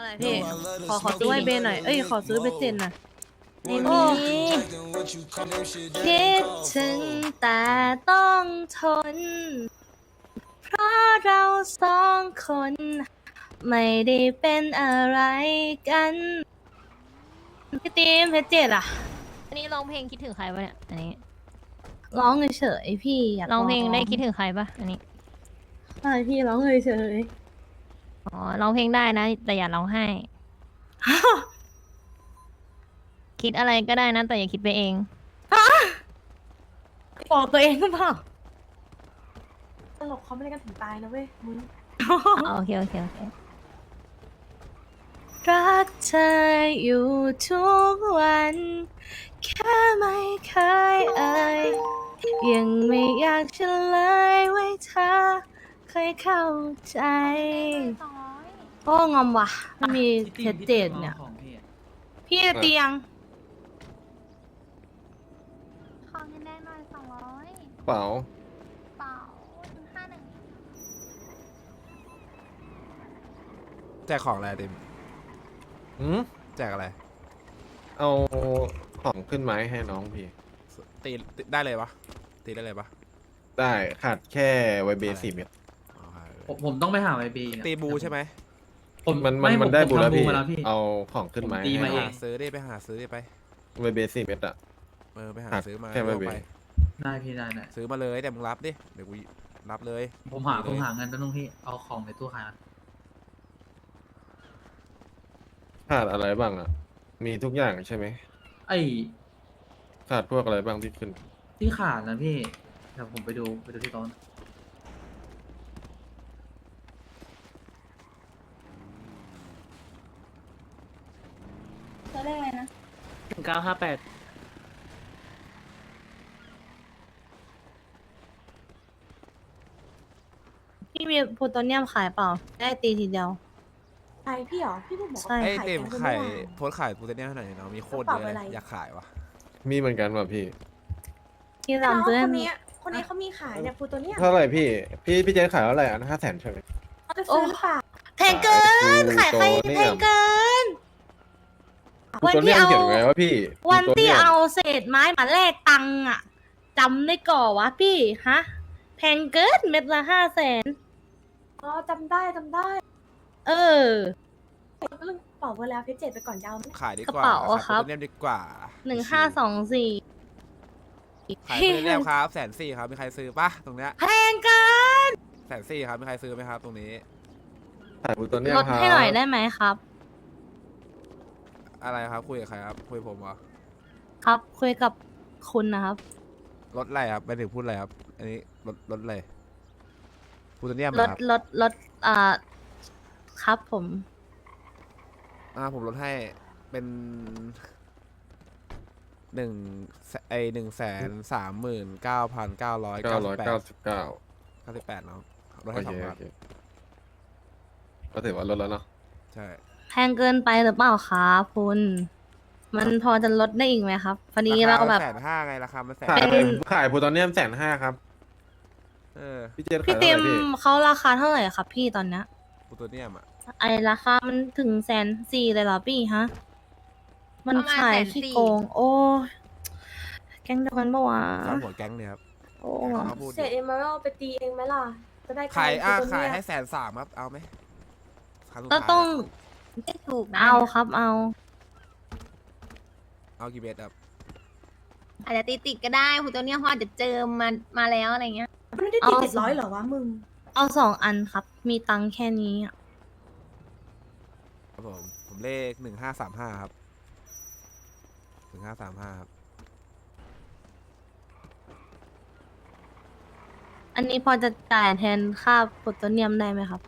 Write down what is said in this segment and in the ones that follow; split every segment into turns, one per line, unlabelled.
อะไรพี่ขอซื้อไวเบนหน่อยเอ้ยขอซื้อเบสเซนหน่อย
ไม่มีคิดถึงแต่ต้องทน เพราะเราสองคนไม่ได้เป็นอะไรกันพี่ตีมเพชรเจ็ดอะ
อันนี้ร้องเพลงคิดถึงใครปะเนี่ยอันนี้
ร้องเฉยๆพี่อยาก
ร้องเพลงได้คิดถึงใครปะอันนี้
ใช่พี่ร้องเฉย
อ๋อร้องเพลงได้นะแต่อย่าร้องไห้ คิดอะไรก็ได้นะแต่อย่าคิดไปเอง
ๆบอกตัวเองหรือเปล่าตลกเขาไม่ได้กันถึงตายนะเว้ยมึง
โอเคโอเคโอเค
รักเธออยู่ทุกวัน แค่ไม่เคยเอ่ยยังไม่อยากเฉลยไว้เธอเคยเข้าใจโอ้งอมว่ะไม่มีเพชรเจ็ดเนี่ย พี่เตียง
ขอเงินแดงหน่อย200
เปล่า
เปล่า51
แจกของอะไรติม
อืม
แจกอะไร
เอาของขึ้นไม้ให้น้องพี่
ตีได้เลยปะตีได้เลยปะ
ได้ขาดแค่ไวเบสิบเม็ด
อ๋อครับ
ผมต้องไปหาไวบี
ตีบูใช่ไหม
มันได้บุญแล้วพี่
มาแล้วพี่
เอาของขึ้นไม้
ผมตี
ให้
มาเอง
หาซื้อดิไปหาซื้อดิไป
ไวเบสิบเม็ดอะ
ไปหา
ครับ
ซื้อมา
แค่ไม่
เอา
เว้
ไป
ย
ได้พี่ได้ได้
ซื้อมาเลยแต่มึงรับดิเดี๋ยวกูรับเลย
ผมหาเงินแป๊บนึงพี่เอาของในตู้ขายก่อน
ขาดอะไรบ้างอะมีทุกอย่างใช่ไหม
ไอ้
ขาดพวกอะไรบ้างที่ขึ้น
ที่ขาดนะพี่เดี๋ยวผมไปดูที่โต๊ะ
จะเรียกอะไรนะ
1958
พี่มีโพโตเนียมขายเปล่า ได้ตีทีเดียว
ใช่พี่เหรอ พี่เพิ่งบอก
ใช่
ว่า
ไอ้
ขาย
เต็ม
แกง
ไข่
เมื่อวาน
โพสต์ขายปูเตเนียให้หน่อยเนาะมีโคตร
กระ
เย
เป๋า
อะ
อะไร
เลยอยากขายวะ
มีเหมือนกันว่ะพี่
พี่
น้อง
รำซื้อ
คนนี้คนนี้เขามีขายเนี่ยฟูตัวเนี้ย
เท่าไหร่พี่ พี่เจนขายเท่าไหร่อัน500,000ใช่ไหม
เขาจะซื้อหรือเปล่า
แพงเกิน ขายใครแพงเกิน วัน
ตัว
ที่
เนี้ย
เอา
เขียนไงวะพี่
วันที่
ตัวนี่ย
เอาเศษไม้มาแลกตังค์อะจำได้ก่อวะพี่ ฮะ แพงเกินเม็ดละ500,000
อ๋อจำได้จำได้
เออ
เรื่องบอกไว้แล้วเพชรเจ็ดไปก่อนยาวไหม
ขายดีก
กระ
ว่า
เป๋า
ขาย
ครับ
ปูเตเนียดีกว่า
1524
ขายปูเตเนียครับ140,000ครับมีใครซื้อปะตรงเนี้ย
แพงเกิน
140,000ครับมีใครซื้อไหมครับตรงนี้
ขายปูตัวเนี้ย
ลด
ครับ
ให้หน่อยได้ไหมครับ
อะไรครับคุยกับใครครับคุยกับผมเหรอ
ครับ คุยกับคุณนะครับ
รถอะไรครับไปถึงพูดอะไรครับอันนี้รถอะไรปูเตเนียม
ล
เหรอ
ด
ครับ
ลดครับผม
ผมลดให้เป็น1,139,998 เนาะลด
โอ
ให้
เค
2 บา
โอ
ท
เคก็ถือว่าลดแล้วเนาะ
ใช่
แพงเกินไปหรือเปล่าครับคุณ มันพอจะลดได้อีกไหมครับพอดีเราแบบ
150,000ไงราคามันแสน
ขาย
เป็น
ขายปูตัวเนี้ย150,000ครับ พี่เจน
พี่
ขาย
เต็
เท่าไห
ม
ร่พี่
เขาราคาเท่าไหร่ครับพี่ตอนเนี้ย
ปูตัวเนียมอ่ะ
ไอราคามันถึง140,000เลยเหรอพี่ฮะ มัน
ประมาณ
ขาย
140,000
ขี้โกง โอ้ยแก๊งเดียวกันปะวะ
สร้างหัวแก๊งเนี่ยครับ
โอ้
เขาพูด
เศษเอ็มเมอรัลไปตีเองไหมล่ะ จะได้
ขาย
ฟูตัว
ขาย
เนี้ย
ให้130,000ครับเอาไหมครั้งสุด
ก็
ท้าย
ต้อง
ไม่ถูกนะ
เอาครับเอา
เอากี่เบสครับ
อาจจะติดก็ได้คุณตัวเนี้ยเพราะอาจจะเจอมาแล้วอะไรเงี้ย
มันไม่ได้ตี700เหรอวะมึง
เอา2 อันครับ มีตังค์แค่นี้อะ
ครับผมเลข1535ครับ1535ครับ
อันนี้พอจะจ่ายแทนค่าโพโตเนียมได้ไหมครับ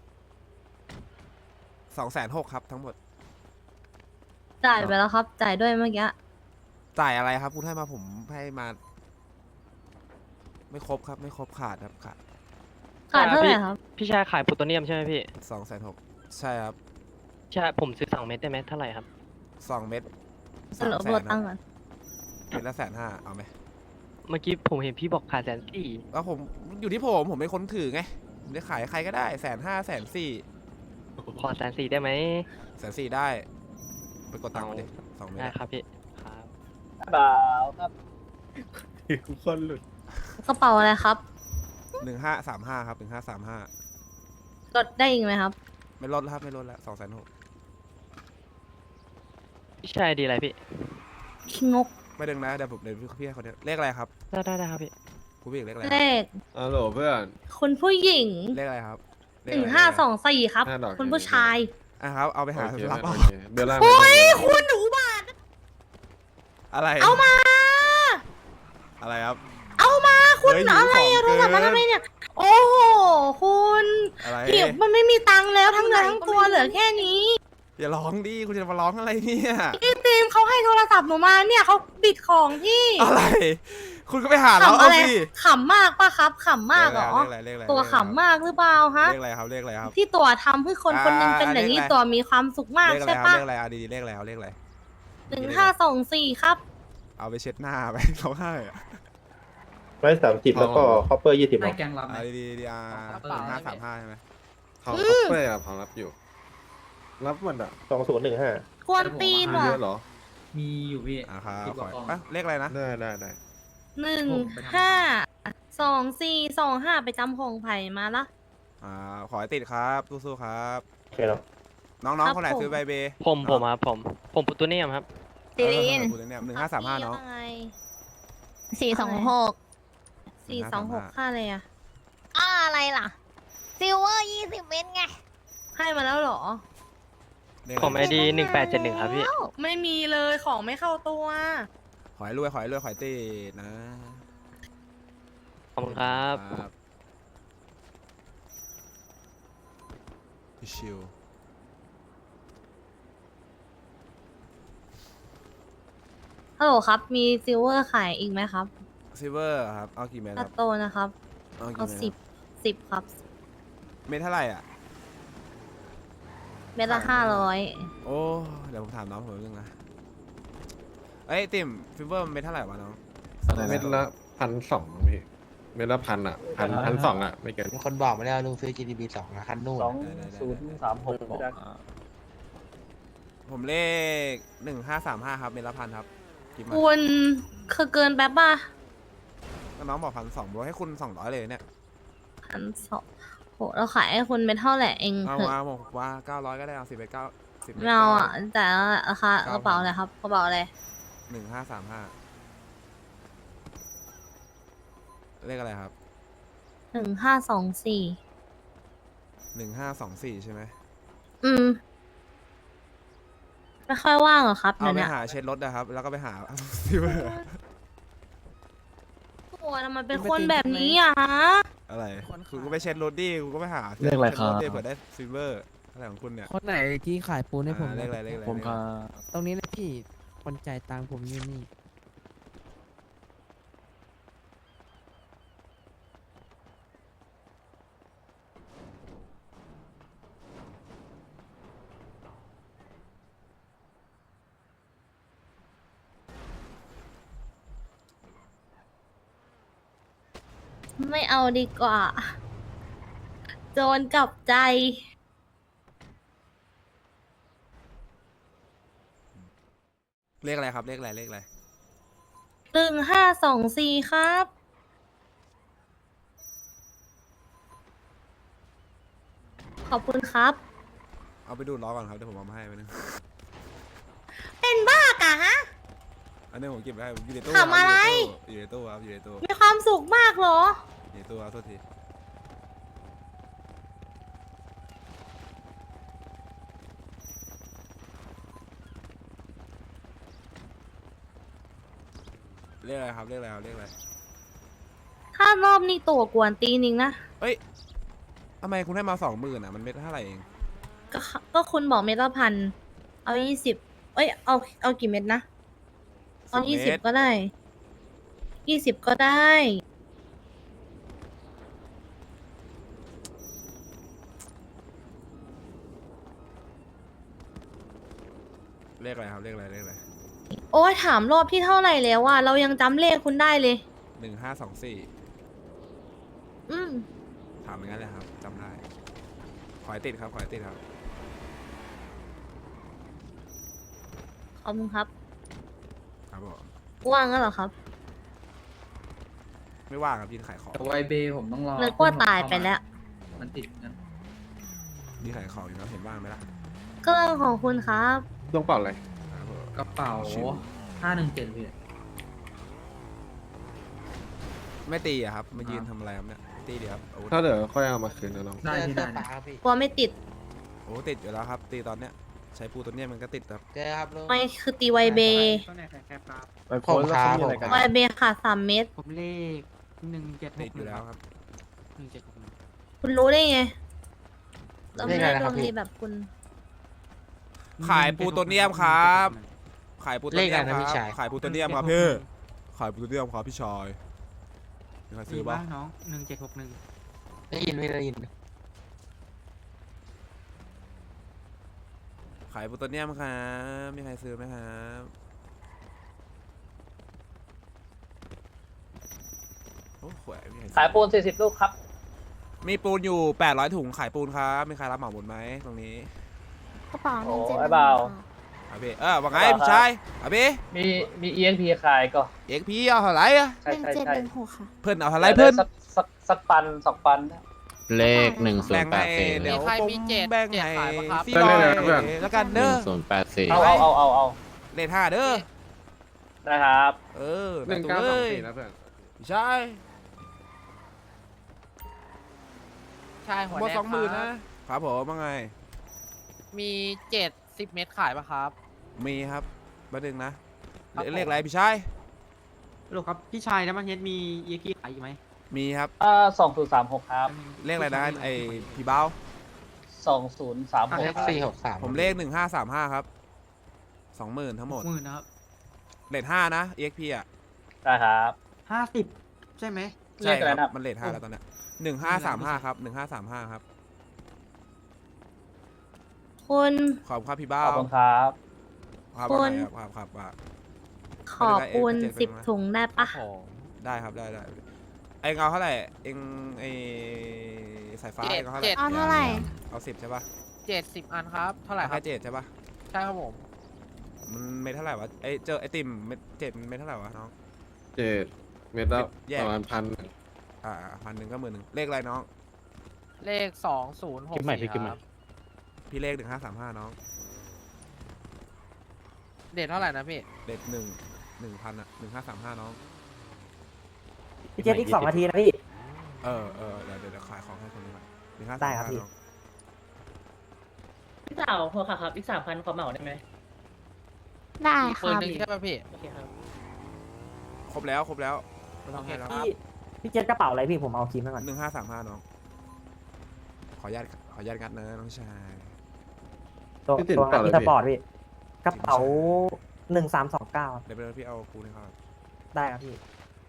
260,000ครับทั้งหมด
จ่ายไปแล้วครับ จ่ายด้วยเมื่อกี้
จ่ายอะไรครับคุณให้มาผมให้มา ไม่ครบครับไม่ครบขาดครับขาด
ขาดเท่าไหร่ครับ
พี่ชายขายโพลูโตเนียมใช่ไหมพี่
260,000ใช่ครับ
ใช่ผมซื้อ2 เม็ดได้ไหมเท่าไหร่ครับ
2 เม็ด
สรุปรวมตังค์ก่อน
เม็ดละ150,000เอาไหม
เมื่อกี้ผมเห็นพี่บอกขาย140,000
แล้วผมอยู่ที่ผมเป็นคนถือไงผมจะขายใครก็ได้150,000 140,000
ขอ140,000ได้ไหม
140,000ได้ ไปกดตังค์มาดิ2 เมต
ได้
ร
ครับพี่ครับ
คนหลุด
กระเป๋าอะไรครับ
1535ครับ1535
ลดได้อีกไหมครับ
ไม่ลดแล้วครับไม่ลดแล้ว260,000
พี่ชายดีอะไรพี่
ขี้งก
ไม่ดึงนะเดี๋ยวพี่ให้เขาเนี่ยเลขอะไรครับ
ได้ครับพี่
คุณพี่เลขอะไรค
เล
รับ
ข
ฮัลโหลเพื่อน
คุณผู้หญิง
เลขอะไรครับเลข
หนึ่
อะ
ง
ไร
ห้าสองสี่ครับ
5 ดอก
คุณผู้ชาย
อ่ะครับเอาไปหา
โอเค
รับ
โอ
เอา
เคเบลล่าง
โอ้ยคุณหนูบาท
อะไร
เอามา
อะไรครับ
เอามาคุณ
เฮ้ย
อะไร
หิว
อะ
ข
โท
อง
รศัพท์มา
เกิน
ทำไมเนี่ย โอ้โห คุณ
อะไร
หิวมันไม่มีตังค์แล้วทั้งเนื้อทั้งตัวเหลือแค่นี้
อย่าร้องดิคุณจะมาร้องอะไรเนี่ย
พี่ตีมเขาให้โทรศัพท์หนูมาเนี่ยเขาบิดของพี่
อะไร คุณก็ไปหาเรา
ขำ
เอา
อะไร
สิ
ขำมากปะครับขำมากเหรอ
เลขอะไร
ตัวขำมากหรือเปล่าฮะ
เลขอะไรครับเลขอะไรครับ
ที่ตัวทำให้คนคนหนึงเป็นอย่างนี้
เลขอะไร
ตัวมีความสุขมาก
เลขอะไร
ใช่
ครับ
ปะ
เลขอะไรเอาดีๆเลขอะไรเอาเลขอะไร
1524ครับ
เอาไปเช็ดหน้าไปเขาให้อะ
130แล้วก็คอปเปอร์20
ให้
เนาะ
แกงรับไหม
เอาดีๆดีอ่ะ
กระเป๋า
1535ใช่ไหม
ของคัพเป้อะของรับอยู่ รับหมดอ่ะ
2015
กวนตีน
มี
ว่ะ
เยอะเหรอ
มีอยู่พี่
อ่ะครับ
10กว่า
ข
ก
อ
ล่อง
อ่ะเลขอะไรนะ
ได้
152425ไปจำพงไผ่มาละ
ขอให้ติดครับสู้ๆครับ
โอเคเนาะ
น้องๆคนไหนซื้อใบเบย์
ผมครับผมปุตตุเนียมครับ
ซีรีน
คุณเนี่ย1535เนาะ
426
426ค่าเลยอะ
อะไรล่ะซิลเวอร์20 เม็ดไง
ให้มาแล้วเหรอ
เลข
ผม
อะไร
ID 1871ครับพี่
ไม่มีเลยของไม่เข้าตัว
ขอให้รวยขอให้ติดนะ
ขอบคุณครับ
ชิว
ฮัลโหลครับ มีซิลเวอร์ขายอีกไหมครับ
ซิลเวอร์ครับเอากี่เม็ดค
ตั
รั
ด
บ
โตนะครับ
เอา
เอา
กี่เม็ด
10ครับ
เม็ดเท่าไหร่อ่ะ
เม็ดละ
โอ้เดี๋ยวผมถามน้องผมเรื่องนะเอ้ยติ่มฟิลเวอร์เม็ดเท่าไหร่วะน้อง
เม็ดละ1,200พี่ เม็ดละ1,000อ่ะ1,200อ่ะ ไม่เกิน
มีคนบอกมาแล้วลุงซื้อ GDP 2นะคันนู่น
2036บอก
ผมเลข1535ครับเม็ดละ1,000ครับกินมา
คุณคือเกินแป๊บป่ะ
น้องบอก1,200บอกให้คุณ200เลยเนี่ย
1,200โหเราขายให้คุณเม็ดเท่าไหร่เอง
เอา
เถอะ
มาบอกว่า900ก็ได้เอา10ไป9 10
ไม่เอาอ่ะแต่ราคากระเป๋าอะไรครับกระเป๋าอะไร
1535เลขอะไรครับ
1524
1524ใช่ไหม
ไม่ค่อยว่างเหรอครับ
เอา
เดี๋ยว
ไป
เนี้ย
หาเช็ดรถนะครับ แล้วก็ไปหา ซิลเวอร์
ตัวทำไมเป็นคนแบบนี้อ่ะฮะ
อะไรคุณก็ไปเช็ดรถดิคุณก็ไปหา
เลขอะไรครับ
ช็ดถดิเผื่อได้ซิลเวอร์อะไรของคุณเนี่ย
คนไหนที่ขายปูนให้ผม
เลขอะไรเลขอะไร
ผมก็
ตรงนี้นะพี่ คนจ่ายตังค์ผมอยู่นี่
ไม่เอาดีกว่า โจรกลับใจ
เลขอะไรครับเลขอะไรเลขอะไร
1524ครับ ขอบคุณครับ
เอาไปดูดล้อก่อนครับเดี๋ยวผมเอามาให้ไปนึง
เป็นบ้ากะฮะ
อันนี้ผมเก็บไว้ให้อยู่ในตู้
ทำอะไร
อยู่ในตู้ครับอยู่ในตู้
มีความสุขมากเหรอ
อยู่ในตู้ครับโทษทีเลขอะไรครับเลขอะไรครับเลขอะไร
ถ้ารอบนี้ตัวกวนตีนิงนะ
เอ้ยทำไมคุณให้มา20,000อ่ะมันเม็ดเท่าไหร่เอง
ก็คุณบอกเม็ดละพัน เอา20เอ้ย เอากี่เม็ดนะ เอา20ก็ได้20ก็ได้
เลขอะไรครับเลขอะไรเลขอะไร
โอ้ยถามรอบที่เท่าไหร่แล้วอะเรายังจำเลขคุณได้เลย
1524
อืม
ถามอย่างนั้นเลยครับจำได้ขอให้ติดครับขอให้ติดครับ
ขอบคุณครับ
ครับผม
ว่างแล้วเหรอครับ
ไม่ว่างครับยืนขายของ
แต่ไวเบย์ผมต้องรอ
นึกว่าตายไปแล้ว
มันติดกัน
ยืนขายของอยู่แล้วเห็นว่างไหมล่ะ
ก็เรื่องของคุณครับ
ต้องเป่าอะไร
ครับผม
กระเป๋า
ชิว
517พี่
ไม่ตีอะครับมายืนทำอะไรครับเนี่ยตีเดี๋ยวครับอาวุธ
ถ้าเดี๋ยวค่อยเอามาคืนนะน้อง
ได้พี่ได้
ปลาครับพี่
กลัวไม่ติด
โอ้ติดอยู่แล้วครับ ตีตอนเนี้ยใช้ปูตัวเนี้ยมันก็ติดครับ
เจอครับลุง
ไม่คือตีไวเบย์
ไปโพสต์แล้วเขามีอะไรกัน
ไวเบย์ขาด3 เม็ด
ผมเลข1761
ติดอยู่แล้วครับ
1761
คุณรู้ได้ไงเรา
เล
ไม่
ขอะไร
ได้
นะ
ด
ครับ
วง
พี่
ดีแบบคุณ
ขายปูตัวเนียมครับ ขายปูตัวเนียม
เลขอะไร
ค
นะพี่
รับ
ชาย
ขายปูตัวเนียมครับพี่ขายปูตัวเนียมครับพี่ชายมีใครซื้อบ้าง
น้อง1761ได้ยินไม่ได้ยิน
ขายปูตัวเนียมครับมีใครซื้อไหมครับโอ้โหมีใครซื้อ
ขายปูน40 ลูกครับ
มีปูนอยู่800 ถุงขายปูนครับมีใครรับเหมาหมดไหมตรงนี้
กระเป๋า
โอ้
171
ไอ้เบา
อาพี่ว่าไงพี่ชายอาพี่
มี EXP ขายก็
เอกพี่เอาเท่าไหร่อะ
ใช่ใช่ใช่
1716 ค่ะ
เพื่อนเอาเท่าไหร่เพื่อน
สักปัน2 ปัน
เลข
แบ่งให้เดี๋ยวผมแบ่งให้พี่
ได้
น้อ
เลย ยนะเพื่อน
แล้วกันเด้อ
1084
เอา
เลท5เด้อ
นะครับ
เออ
1924นะเพื่อน
พี่ชาย
ใช่หัว
หมด
แดง
20,000นะครับผมว่าไง
มี70 เม็ดขายปะครับ
มีครับมาดึงนะ
ครับผม
เลขอะไรพี่ชาย
ลูกครับ พี่ชายนะมันเฮ็ดมีเยกี้ขายอยู่ไหม
มีครับ
2036 ครับ
เลขอะไรนะไอพี่เบ้า
2036
เลข
463
ผมเลข1535ครับ20,000ทั้งหมด
10,000นะครับ
เลท5นะ EXP อ่ะ
ได้ครับ
50 ใช่ไหม
ใช่
เลขอะไร
ค
นะ
รับมันเลท5แล้วตอนเนี้ย1535ครับ1535ครับ
คุณ
ขอบคุณครับพี่
ข
เบ้า
อบคุณครับ
ครับ
คุ
ว่า
ณ
ไงครับว่า
ขอปูน
ไม่ได้
10 ถุงได้ปะ
ได้ครับได้เองเอาเท่าไหร่เองไอสายฟ้าเองเอาเท่าไหร่
เอาเท่าไหร่
เอา10ใช่ปะ
70 อันครับ เท่าไหร่ค
แค่
รับ
7ใช่ปะ
ใช่ครับผม
มันไม่เท่าไหร่วะไอเจอไอติมเม็ด7มันไม่เท่าไหร่วะน้อง
7 เมตรละ
แยก
ประมาณ1,000
1,000ก็10,000เลขอะไรน้อง
เลข 2064ครับ
พี่เลข1535น้อง
เด็ดเท่าไหร่นะพี่
เลข1,000อ่ะ1535น้อง
พี่เจษอีก2 นาทีนะพี่
เดี๋ยวขายของให้คนนี้ก่อน1535
ได้ครับพี่
น้อง
พี่สาวพอครับอีก 3,000ขอเหมาได้ไหม
ได้
อีก
ค
ปืน
รับ
หนึ่งใช่ป่ะพี่
โอเคครับ
ครบแล้วไม่ต้องให้แล้ว
พี่เจษกระเป๋าอะไรพี่ผมเอาคีมไว้ก่อน
1535น้องขออนุญาตงัดนะน้องชาย
ตัว
พี่ติด
ตัว
เปล่า
อี
เลย
ส
พี่
ปอร์ตพี่กระเป๋า 1329
เดี๋ยวไปเลยพี่เอาปูนให้เขา
ได้ครับพี่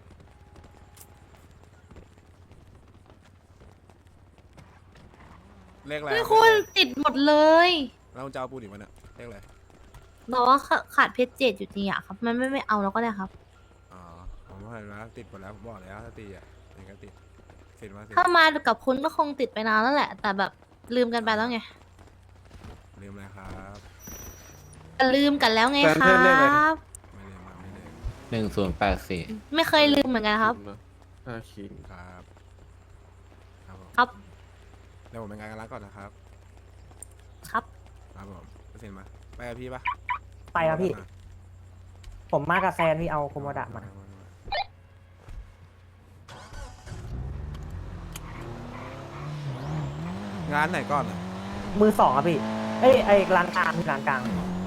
เลขอะไร
ไม่คุณติดหมดเลย
แล้วจะเอาปูนอีกวันเนี่ยเลขอะไร
บอกว่าขาดเพชร7อยู่จริงอะครับ มันไม่เอาแล้วก็ได้ครับ
อ๋อผมว่าเห็นแล้วติดหมดแล้วผมบอกแล้วถ้าตีอ่ะยังก็ติดเสร็จมาสิ
ถ้ามากับคุณก็คงติดไปนานแล้วแหละ แต่แบบลืมกันไปแล้วไง
ลืมอะไรครับ
ลืมกันแล้วไง
แฟน
ค
เพื่
รั
อนเรียกอะไร
บ
ไม่ลืมมาไม่ลืม
1084
ไม่เคยลืมเหมือนกันครับ
5 ขีด
ครับครับผม
ครับ
เดี๋ยวผมไปงานกันแล้วก่อนนะครับ
ครับ
ครับผมเสร็จมาไปกับพี่ปะ
ไปครับพี่ ผมมากับแซนพี่เอาโคโมดะมา
งานไหนก่อนอ่ะ
มือ 2ครับพี่ เอ้ยไอ้ร้านกลางพี่ร้านกลาง